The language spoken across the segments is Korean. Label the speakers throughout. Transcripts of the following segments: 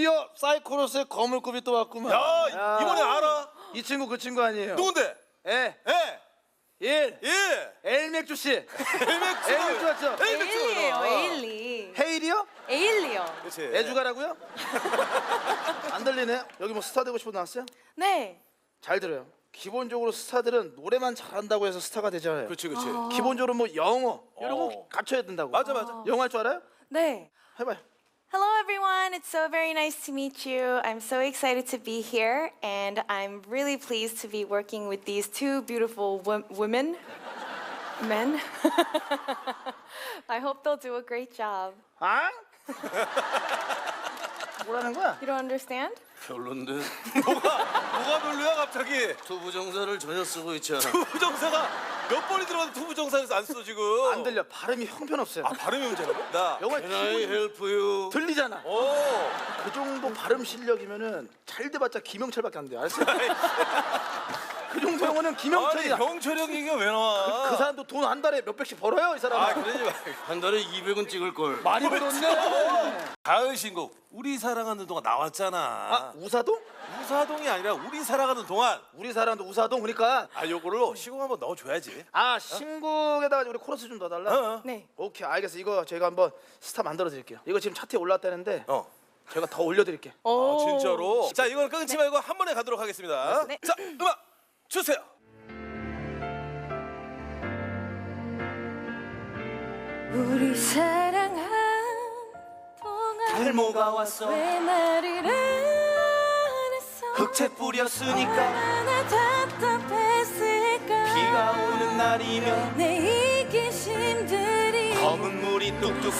Speaker 1: 드디어 사이코로스의 거물급이 또 왔구만.
Speaker 2: 야, 이번에 알아?
Speaker 1: 이 친구 그 친구 아니에요?
Speaker 2: 누군데?
Speaker 1: 에,
Speaker 2: 예.
Speaker 1: 일,
Speaker 2: 예.
Speaker 1: 엘맥주 씨.
Speaker 2: 엘맥주.
Speaker 1: 엘맥주 왔죠?
Speaker 3: 에일리예요, 에일리.
Speaker 1: 헤일이요?
Speaker 3: 에일리요.
Speaker 2: 그렇지.
Speaker 1: 애주가라고요? 안 들리네. 여기 뭐 스타 되고 싶어 나왔어요?
Speaker 3: 네.
Speaker 1: 잘 들어요. 기본적으로 스타들은 노래만 잘한다고 해서 스타가 되잖아요.
Speaker 2: 그렇지, 그렇지.
Speaker 1: 기본적으로 뭐 영어 이런 거 갖춰야 된다고.
Speaker 2: 맞아, 맞아.
Speaker 1: 영어 할 줄 알아요?
Speaker 3: 네.
Speaker 1: 해봐요.
Speaker 3: Hello everyone, it's so very nice to meet you. I'm so excited to be here and I'm really pleased to be working with these two beautiful women. Men. I hope they'll do a great job.
Speaker 1: 아? 뭐라는 거야?
Speaker 3: You don't understand?
Speaker 4: 별론데
Speaker 2: 뭐가 별로야 갑자기?
Speaker 4: 투부정사를 전혀 쓰고 있잖아.
Speaker 2: 투부정사가 몇 번이 들어가도 투부정사에서 안 써 지금.
Speaker 1: 안 들려. 발음이 형편없어요.
Speaker 2: 아, 발음이 문제라고? 나.
Speaker 1: 영어
Speaker 4: Can I help you?
Speaker 1: 들리잖아.
Speaker 2: 오.
Speaker 1: 그 정도 발음 실력이면은 잘 돼봤자 김영철밖에 안 돼. 알았어? 그 정도 영어는
Speaker 2: 아니,
Speaker 1: 김영철이야.
Speaker 2: 형철이 형 얘기가 왜 나와?
Speaker 1: 그 사람도 돈 한 달에 몇 백씩 벌어요, 이 사람.
Speaker 2: 아, 그러지 마.
Speaker 4: 한 달에 200은 찍을 걸.
Speaker 1: 많이 벌었네.
Speaker 2: 가을 신곡 우리 사랑하는 동안 나왔잖아.
Speaker 1: 아, 우사동?
Speaker 2: 우사동이 아니라 우리 살아가는 동안.
Speaker 1: 우리 사람도 우사동 그러니까.
Speaker 2: 아, 요걸로 시공 한번 넣어줘야지.
Speaker 1: 아, 신곡에다가 우리 코러스 좀 넣어달라.
Speaker 2: 어.
Speaker 3: 네.
Speaker 1: 오케이, 알겠어. 이거 제가 한번 스타 만들어 드릴게요. 이거 지금 차트에 올랐다는데 제가 더 올려드릴게요.
Speaker 2: 아, 진짜로? 자, 이걸 끊지 말고 한 번에 가도록 하겠습니다.
Speaker 3: 네.
Speaker 2: 자, 음악 주세요.
Speaker 3: 우리 사랑한 동안
Speaker 1: 탈모가 왔어.
Speaker 3: 왜 말을 안 했어?
Speaker 1: 흑채 뿌렸으니까
Speaker 3: 얼마나 답답했을까?
Speaker 1: 비가 오는 날이면
Speaker 3: 내 이기심들이
Speaker 1: 검은 물이 뚝뚝뚝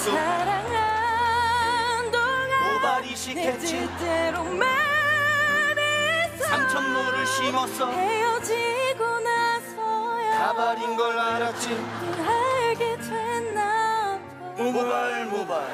Speaker 3: 사랑한 동안
Speaker 1: 모발이
Speaker 3: 내
Speaker 1: 시켰지.
Speaker 3: 뜻대로 말했어.
Speaker 1: 삼천모를 심었어.
Speaker 3: 헤어지고 나서야
Speaker 1: 가발인 걸 알았지.
Speaker 3: 알게 됐나 봐.
Speaker 1: 모발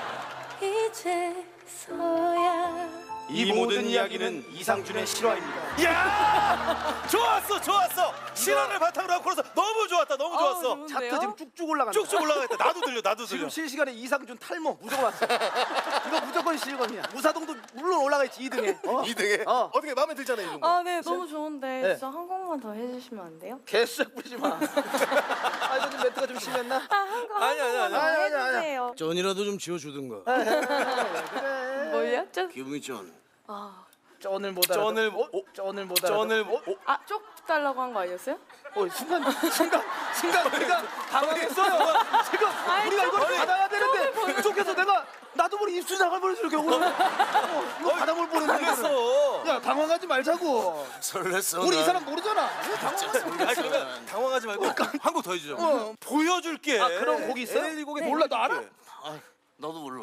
Speaker 3: 이제서야
Speaker 1: 이 모든 이야기는 이상준의 실화입니다.
Speaker 2: 야! 좋았어, 좋았어. 실화를 바탕으로 하고 그래서 너무 좋았다, 너무 좋았어.
Speaker 3: 좋은데요?
Speaker 1: 차트 지금 쭉쭉 올라간다.
Speaker 2: 쭉쭉 올라가겠다. 나도 들려, 나도 들려.
Speaker 1: 지금 실시간에 이상준 탈모 무조건 왔어. 이거 무조건 실검이야. 우사동도 물론 올라가 있지 2등에.
Speaker 2: 2등에
Speaker 1: 어.
Speaker 2: 어떻게 마음에 들잖아, 이런 거.
Speaker 3: 아, 네, 너무 좋은데
Speaker 1: 네.
Speaker 3: 진짜 한 곡만 더 해주시면 안 돼요?
Speaker 1: 개수작 부리지 마. 아, 이거 좀 멘트가 좀 심했나?
Speaker 2: 아니, 아니, 아니.
Speaker 3: 더
Speaker 1: 아니, 아니, 아니.
Speaker 3: 해주세요.
Speaker 4: 전이라도 좀 지어주든가.
Speaker 1: 그래.
Speaker 3: 뭐요?
Speaker 4: 기분이 전.
Speaker 1: 쩐을 못 알아.
Speaker 2: 쩐을
Speaker 1: 쩐을 못 알아.
Speaker 2: 쩐을
Speaker 3: 아, 쪽 달라고 한 거 아니었어요?
Speaker 1: 순간 우리가 당황했어요. 지금 우리가 이걸 받아야 되는데 쪽에서 내가 나도 모르게 입술 나갈 뻔했어. 이렇게 이거 받아볼 뻔했는데.
Speaker 2: 그랬어.
Speaker 1: 야, 당황하지 말자고.
Speaker 4: 설렜어.
Speaker 1: 우리 이
Speaker 4: 난.
Speaker 1: 사람 모르잖아.
Speaker 2: 아니, 그러면 당황하지 말고 한 곡 더 해주자. 보여줄게.
Speaker 1: 아, 그런 곡이 있어요?
Speaker 2: 에일리 곡에
Speaker 1: 몰라, 너 알아?
Speaker 4: 아, 나도 몰라.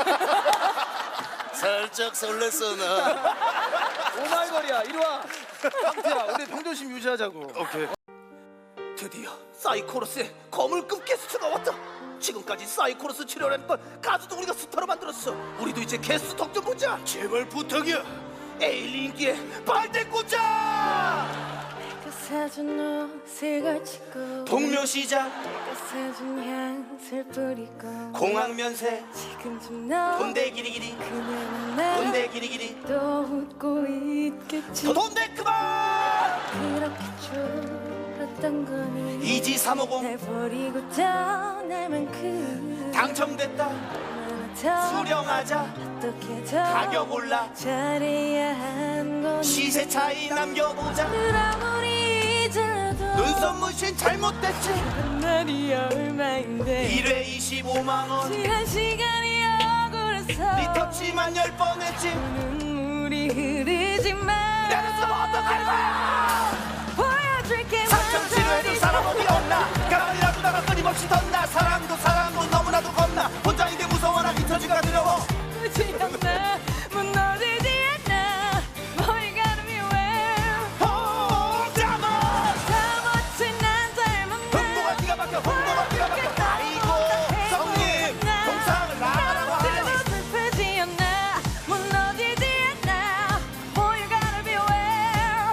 Speaker 4: 살짝 설렜어 나.
Speaker 1: 오마이걸이야. 이리 와. 황태야, 우리 평정심 유지하자고.
Speaker 2: 오케이.
Speaker 1: 드디어 사이코로스의 거물급 게스트가 왔다. 지금까지 사이코로스 출연했던 가수도 우리가 스타로 만들었어. 우리도 이제 게스트 덕 좀 보자.
Speaker 4: 제발 부탁이야.
Speaker 1: 에일리 인기에 발대 꽂자.
Speaker 3: 그 사준 옷을 걸치고
Speaker 1: 동묘시장
Speaker 3: 그 사준 향수를 뿌리고
Speaker 1: 공항면세
Speaker 3: 지금쯤 너
Speaker 1: 돈대 기리기리
Speaker 3: 그녀는 나
Speaker 1: 돈대 기리기리
Speaker 3: 또 웃고 있겠지.
Speaker 1: 돈대 그만.
Speaker 3: 그렇게 졸았던 거니
Speaker 1: 이지 350
Speaker 3: 날 버리고 떠날 만큼
Speaker 1: 당첨됐다.
Speaker 3: 얼마나 더
Speaker 1: 수령하자.
Speaker 3: 어떻게 더
Speaker 1: 가격 올라.
Speaker 3: 잘해야 한 거니.
Speaker 1: 시세 차이 남겨보자.
Speaker 3: 아무리 잊어도
Speaker 1: 눈썹 문신 잘못됐지.
Speaker 3: 한 날이 얼마인데
Speaker 1: 1회 25만원
Speaker 3: 지난 시간이 억울해서
Speaker 1: 리터치만 10번 했지.
Speaker 3: 눈물이 흐르지만
Speaker 1: 나는 또 어떡할 거야.
Speaker 3: 보여줄게
Speaker 1: 상처 치료해줄 사람 어디 없나. 가만히 놔두다가 끊임없이 덧나. 사랑도 너무나도 겁나. 혼자인데 무서워라. 리터치가 두려워.
Speaker 3: 굳이 않나 무너지지 않나 Boy you gotta be aware
Speaker 1: 혼자만
Speaker 3: 다 멋진 난 닮은
Speaker 1: 흥보가 기가 막혀. 흥보가 기가 막혀. 아이고 성님 동상을 나가라고 하네.
Speaker 3: 슬프지 않나 무너지지 않나 Boy you gotta be aware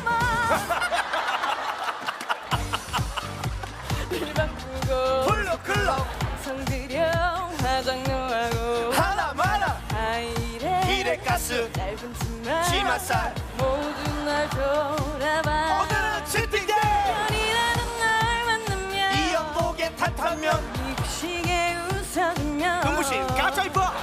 Speaker 3: 혼자만 일 바꾸고
Speaker 1: 블루클
Speaker 3: Welcome to my
Speaker 2: 치마살.
Speaker 3: 모두 날 돌아봐.
Speaker 2: 오늘은 치팅데이.
Speaker 3: 편이라는 날 만나면
Speaker 2: 이 연복에 탓하면
Speaker 3: 미국식에 웃어주면
Speaker 2: 눈부신 가짜 이뻐.